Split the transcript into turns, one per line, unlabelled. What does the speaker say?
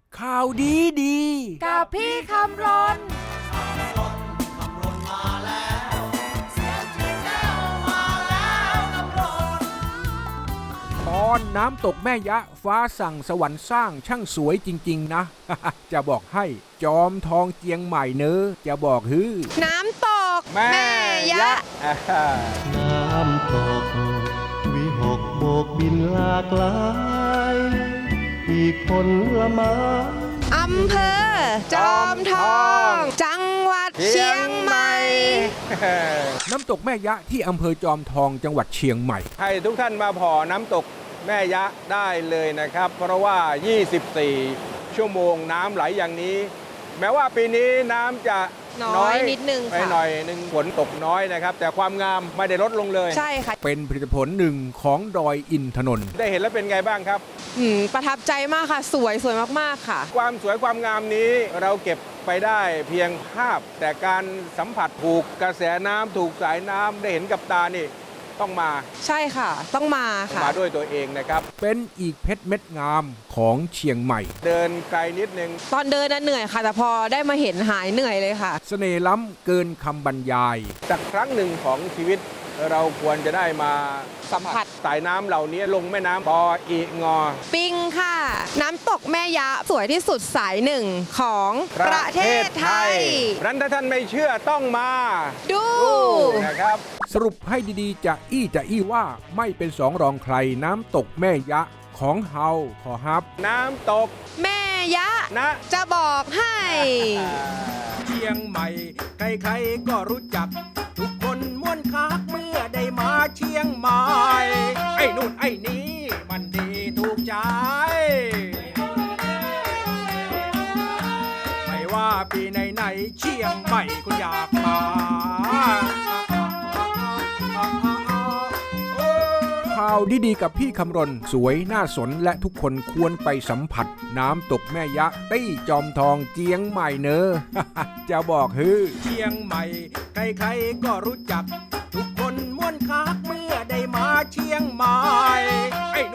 ข่าวดีดี
กับพี่คำรน
ตอนน้ำตกแม่ยะฟ้าสั่งสวรรค์สร้างช่างสวยจริงๆนะ จะบอกให้จอมทองเจียงใหม่เนอะจะบอกฮือ
น้ำตกแม่ยะ
น้ำตกวิหกโบกบินหลากหลายอีกผลไม้
อำเภอจอมทองจังหวัดเชียงใหม่
น้ำตกแม่ยะที่อำเภอจอมทองจังหวัดเชียงใหม่
ให้ทุกท่านมาผ่อน้ำตกแม่ยะได้เลยนะครับ เพราะว่า 24 ชั่วโมงน้ำไหลอย่างนี้ แม้ว่าปีนี้น้ำจะ
น้อยนิดนึง
ไป
ค่ะ
หน่อยนึงฝนตกน้อยนะครับ แต่ความงามไม่ได้ลดลงเลย
ใช่ค่ะ
เป็นผลิตผลหนึ่งของดอยอินทนนท์
ได้เห็นแล้วเป็นไงบ้างครับ
ประทับใจมากค่ะสวยมากๆค่ะ
ความสวยความงามนี้เราเก็บไปได้เพียงภาพ แต่การสัมผัสถูกกระแสน้ำถูกสายน้ำได้เห็นกับตานี่ต้องมา
ใช่ค่ะต้องมาค่ะ
มาด้วยตัวเองนะครับ
เป็นอีกเพชรเม็ดงามของเชียงใหม่
เดินไกลนิดนึง
ตอนเดินเหนื่อยค่ะแต่พอได้มาเห็นหายเหนื่อยเลยค่ะ
เสน่ห์ล้ำเกินคำบรรยาย
สักครั้งหนึ่งของชีวิตเราควรจะได้มา
สัมผัส
สายน้ำเหล่านี้ลงแม่น้ำปออีงอ
ปิงค่ะน้ำตกแม่ยะสวยที่สุดสายหนึ่งของประเทศไทย
นั้นถ้าท่านไม่เชื่อต้องมา
ดู
นะครับ
สรุปให้ดีๆจะอี้ว่าไม่เป็นสองรองใครน้ำตกแม่ยะของเฮาขอฮับ
น้ำตก
แม่ยะ
นะ
จะบอกให้
เชียงใหม่ใครๆก็รู้จักทุกคนม่วนคักเมื่อได้มาเชียงใหม่ไอ้นู่นไอ้นี้มันดีถูกใจไม่ว่าปีไหนเชียงใหม่คุณอยากมาข่าวดีๆกับพี่คำรณสวยน่าสนและทุกคนควรไปสัมผัสน้ำตกแม่ยะตี้จอมทองเจียงใหม่เนอะ จะบอกฮือเชียงใหม่ใครๆก็รู้จักทุกคนม่วนคักเมื่อได้มาเชียงใหม่ไอ้